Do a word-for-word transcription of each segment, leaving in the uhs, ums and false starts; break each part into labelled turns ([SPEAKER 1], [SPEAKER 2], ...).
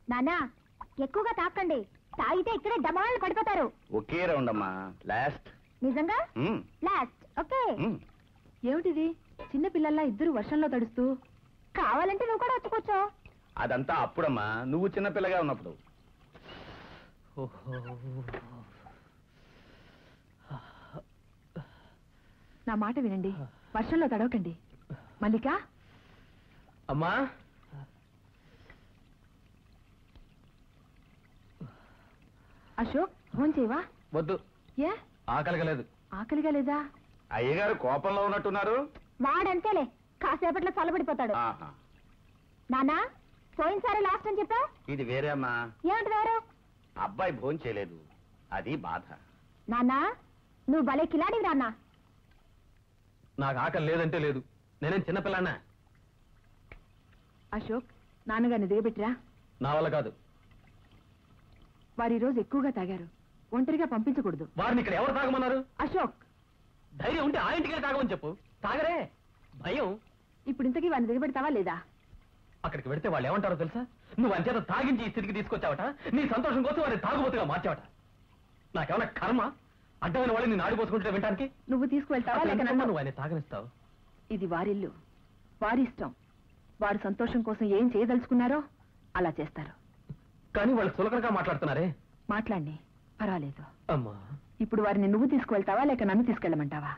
[SPEAKER 1] నానా ఎక్కువగా తాకండి, తాగితే ఇక్కడే డమాలు పడిపోతారు.
[SPEAKER 2] ఒకే రౌండ్ అమ్మా, లాస్ట్.
[SPEAKER 1] నిజంగా లాస్ట్. ఓకే.
[SPEAKER 3] ఏమిటిది చిన్న పిల్లల్లా ఇద్దరు వర్షంలో తడుస్తూ?
[SPEAKER 1] కావాలంటే నువ్వు కూడా వచ్చుకోవచ్చు.
[SPEAKER 2] అదంతా అప్పుడమ్మా, నువ్వు చిన్నపిల్లగా ఉన్నప్పుడు.
[SPEAKER 3] నా మాట వినండి, వర్షంలో తడవకండి. మల్లిక
[SPEAKER 4] అమ్మా,
[SPEAKER 3] అశోక్ ఫోన్ చేయవా?
[SPEAKER 4] వద్దు,
[SPEAKER 3] ఏ
[SPEAKER 4] ఆకలిగా లేదు.
[SPEAKER 3] ఆకలిగా లేదా?
[SPEAKER 2] అయ్యగారు కోపంలో ఉన్నట్టున్నారు.
[SPEAKER 1] వాడంతేలే, కాసేపట్లో చల్లబడిపోతాడు.
[SPEAKER 2] ఆహా.
[SPEAKER 1] నానా పోయినసారి లాస్ట్ అని చెప్పా.
[SPEAKER 2] ఇది వేరే అమ్మా.
[SPEAKER 1] ఏమిటి వేరు?
[SPEAKER 2] అబ్బాయి భోజనం చేయలేదు, అది బాధ.
[SPEAKER 1] నానా నువ్వు భలే కిలాడివి నాన్నా.
[SPEAKER 4] నాకు ఆకలి లేదంటే లేదు, నేనేం చిన్నపిల్లన్నా?
[SPEAKER 3] అశోక్ నాన్నగారిని దిగబెట్టిరా.
[SPEAKER 4] నా వల్ల కాదు.
[SPEAKER 3] వారు ఈ రోజు ఎక్కువగా తాగారు, ఒంటరిగా పంపించకూడదు.
[SPEAKER 4] వారిని ఇక్కడ ఎవరు తాగమన్నారు?
[SPEAKER 3] అశోక్
[SPEAKER 4] ధైర్యం ఉంటే ఆ ఇంటికి తాగమని చెప్పు. తాగరే, భయం.
[SPEAKER 3] ఇప్పుడు ఇంతకీ వారిని దిగబెడతావా లేదా?
[SPEAKER 4] అక్కడికి వెడితే వాళ్ళు ఏమంటారో తెలుసా? నువ్వు అంచేత తాగించి ఈ స్థితికి తీసుకొచ్చావట, నీ సంతోషం కోసం వారిని తాగుబోతుగా మార్చావట. నాకేమన్నా కర్మ అడ్డమైన వాళ్ళు నేను ఆడిపోసుకుంటే వింటానికి?
[SPEAKER 3] నువ్వు తీసుకువెళ్తావా లేక నన్ను?
[SPEAKER 4] నువ్వు ఆయన తాగనిస్తావు?
[SPEAKER 3] ఇది వారిల్లు, వారి ఇష్టం. వారు సంతోషం కోసం ఏం చేయదలుచుకున్నారో అలా చేస్తారు.
[SPEAKER 4] కానీ వాళ్ళు సులకనగా మాట్లాడుతున్నారే.
[SPEAKER 3] మాట్లాడి పర్వాలేదు.
[SPEAKER 4] అమ్మా,
[SPEAKER 3] ఇప్పుడు వారిని నువ్వు తీసుకువెళ్తావా లేక నన్ను తీసుకెళ్ళమంటావా?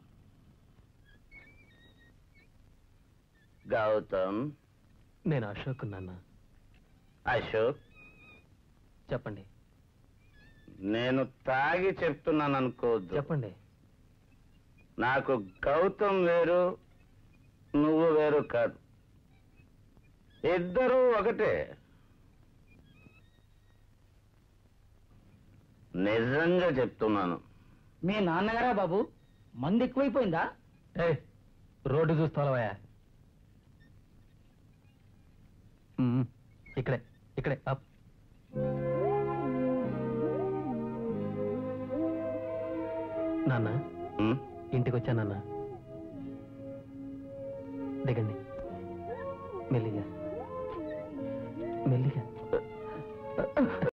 [SPEAKER 2] గౌతమ్.
[SPEAKER 4] నేను అశోక్ నాన్న.
[SPEAKER 2] అశోక్
[SPEAKER 4] చెప్పండి.
[SPEAKER 2] నేను తాగి చెప్తున్నాను అనుకోవద్దు.
[SPEAKER 4] చెప్పండి.
[SPEAKER 2] నాకు గౌతమ్ వేరు, నువ్వు వేరు కాదు, ఇద్దరు ఒకటే. నిజంగా చెప్తున్నాను.
[SPEAKER 5] మీ నాన్నగారా బాబు? మంది ఎక్కువైపోయిందా?
[SPEAKER 4] ఏ రోడ్డు చూస్తావా? ఇక్కడే ఇక్కడే అప్. నాన్న ఇంటికి వచ్చా నాన్న. దిగండి మెల్లిగా మెల్లిగా.